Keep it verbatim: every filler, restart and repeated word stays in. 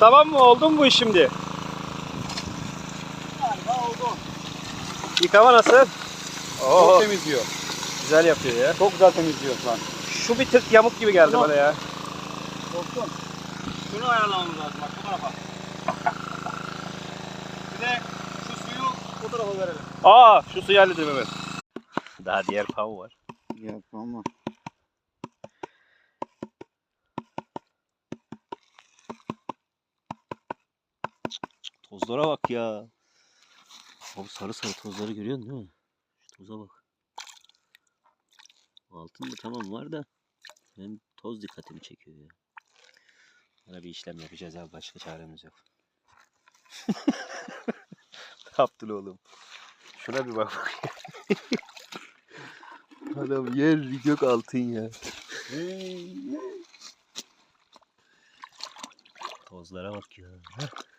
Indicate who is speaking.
Speaker 1: tamam mı? Oldu mu bu iş şimdi?
Speaker 2: Galiba oldu.
Speaker 1: Yıkama nasıl? Oo,
Speaker 2: Çok temizliyor.
Speaker 1: güzel yapıyor ya.
Speaker 2: Çok güzel temizliyor şu an.
Speaker 1: Şu bir tık yamuk gibi geldi
Speaker 2: Tamam.
Speaker 1: bana ya.
Speaker 2: Dostum. Şunu ayarlamamız lazım bak bu tarafa. Bir de şu suyu bu tarafa verelim.
Speaker 1: Aa, şu suyu halledelim hemen. Daha diğer pav var.
Speaker 2: Yapma ama.
Speaker 1: Tozlara bak ya. Abi sarı sarı tozları görüyorsun değil mi? Şu toza bak. Altında tamam var da benim toz dikkatimi çekiyor ya. Bana bir işlem yapacağız abi, başka çaremiz yok. Ne yaptın oğlum? Şuna bir bak bakayım. Adam yer gök altın ya. Tozlara bak ya.